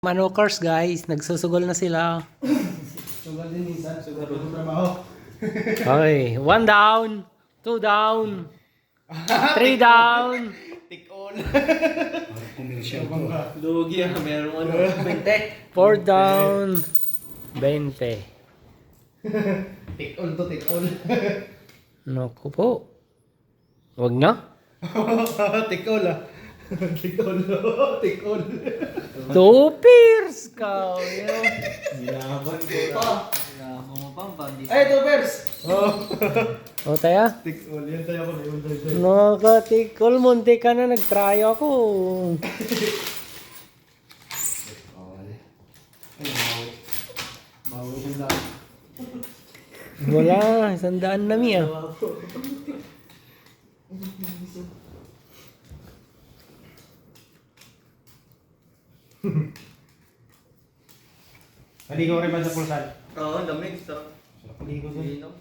Manokers guys, nagsusugol na sila. Sugal din minsan, sugal din trabaho. Okay, 1 down, 2 down, 3 down. Take all. Commercial ko. Lugi ah, meron ano, 20. 4 down, 20. Take all to take all. Naku po. Wag na. Take all ah. Take all. Take all. 2 pairs ka. Nilaban ko pa. Kailangan mo pang pandi. Ay, two pairs. Oh. O taya. Take all. Yan tayo ako. Nakatikol, munti ka na, nag-try ako. Bawi siyang dami. Wala, 100 na miya. Naligo rin ba sa pulsan? Oo, lamig. Sarap. Naligo sa Inom.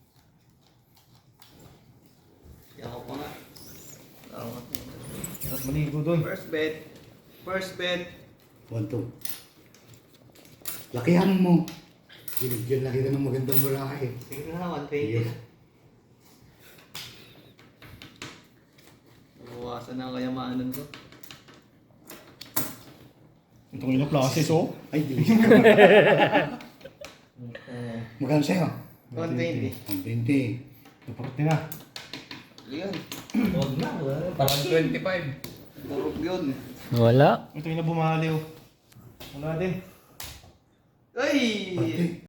Ako pa nga. Salamat. Sarap maligo doon. First bet. First bet. 1-2. Lakihan mo. Binigyan laki ka ng magandang bulaki. Sige na, 120. Nabawasan na ang kayamanan ko. Itong ilang classes oh. Ay, di. Magkano sa'yo? 120. 120. Naporte na. Yun. Huwag na. Parang 25. Purog yun. Wala. Ito yung na bumali oh. Wala din. Ay! Pati.